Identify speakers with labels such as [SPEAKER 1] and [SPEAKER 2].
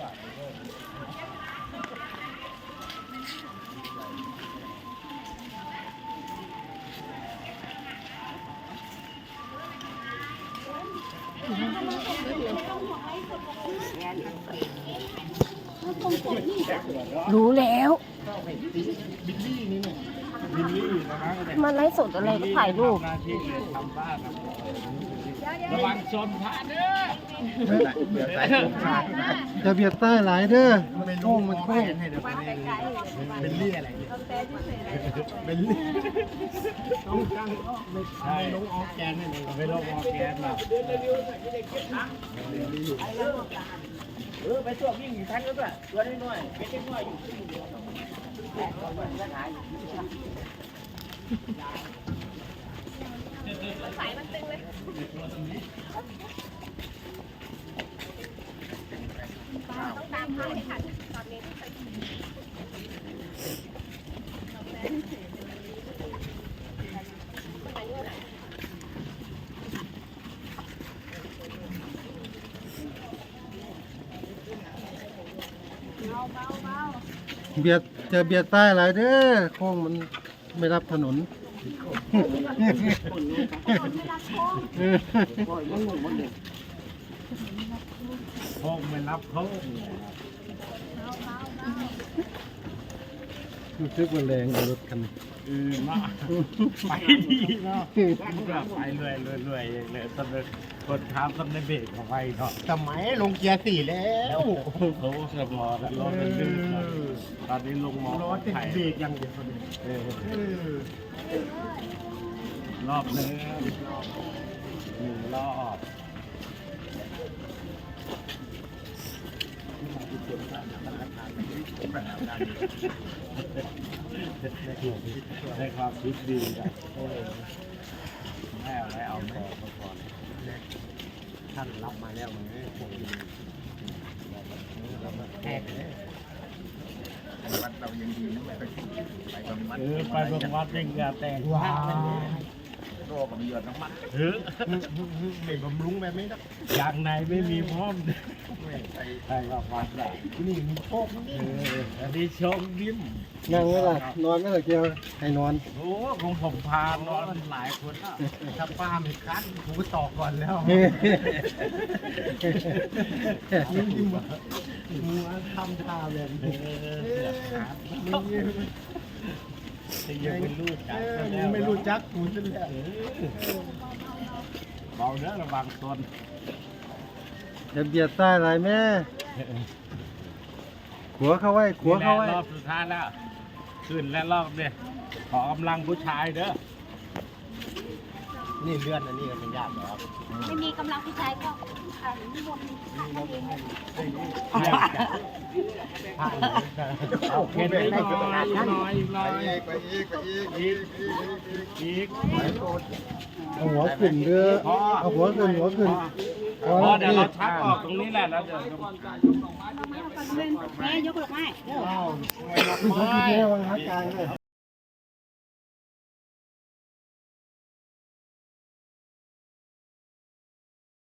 [SPEAKER 1] รู้แล้ว
[SPEAKER 2] บิลลี่นี่เนี่ยบิลลี่นะครับ
[SPEAKER 1] มันไลฟ์สดอะไรก็ถ่ายรูป
[SPEAKER 2] หน้าที่เลยทำบ้านระวังชนพระเด้อ
[SPEAKER 3] จะเบียดใต้หลายเด้อโค้งมันโค้ง
[SPEAKER 2] บิลลี่อะไรเนี่ยบิลลี่ต้องตั้งไม่ใช่ลงออกแกนนี่ไม่ลงออกแกนหรอก
[SPEAKER 4] ไปตัววิ่งทันก็ด้วยตัวน้อยๆเป็นน้อยอยู่สายมันตึงเลยต้องตามเขาให้ทันตอนนี้
[SPEAKER 3] เบียดจะเบียดใต้หลายเด้อโค้งมันไม่รับถนน
[SPEAKER 2] โค้งไม่รับโค้ง
[SPEAKER 3] รู้สึกว่าแรงรถคัน
[SPEAKER 2] มาไปดีเนาะไปเรื่อยเลยตอนนี้กดท้าตอนในเบรกของไปเนาะ
[SPEAKER 3] สมัยลงเกียร์4แล้ว
[SPEAKER 2] เขาสมอรถเป็นลื่นตอนนี้ลงมอ
[SPEAKER 3] รถติดเบรกยังเดียว
[SPEAKER 2] รอบนึงรอบได้ความคิดดีนะไม่เอาก่อนท่านรับมาแล้วมันไม่คงแหกเลยวัดเรายังดีนะไปบางวัดยังอย่าแต่งว้าโรคกับมีหยดน้ำมันไม่บำรุงแบบนี้นะอย่างไหนไม่มีพร้อมใช่กับวัดแหละนี่มีโชคนี่อันนี้โชคยิ้ม
[SPEAKER 3] นั่งไม่ล่ะนอนไม่ล่ะเกียวให้นอน
[SPEAKER 2] โอ้ของผมพานอนหลายคนอ่ะถ้าป้าไม่คันผมก็ตอกก่อนแล้วยิ้มมัวทำท่าแบบนี้ยังไม่รู้จักกูซะแล้วเบาเนื้อระวังตน
[SPEAKER 3] จะเบียดใต้หลายแม่ขัวเข้าไว้ขัวเข้าไว้
[SPEAKER 2] รอบสุดท้ายแล้วขึ้นและรอบเนี่ยขอกำลังผู้ชายเด้อนี่เลื่อนอันนี้ก็เป็นญาติเหรอครับ
[SPEAKER 1] ไม่มีกำลังผู้ชายก็นิมนต์
[SPEAKER 2] เอาเข็นไปหน่อย
[SPEAKER 3] ไปอีกเอาหัวขึ้นเด้อเอาหัวขึ้น
[SPEAKER 2] เดี๋ยวเราชักออกตรงนี้แหละแล้วเดี๋ยว
[SPEAKER 1] แม่ยกหลอกไม้
[SPEAKER 3] ว้าวไม่รับไม้วางหากลางเลย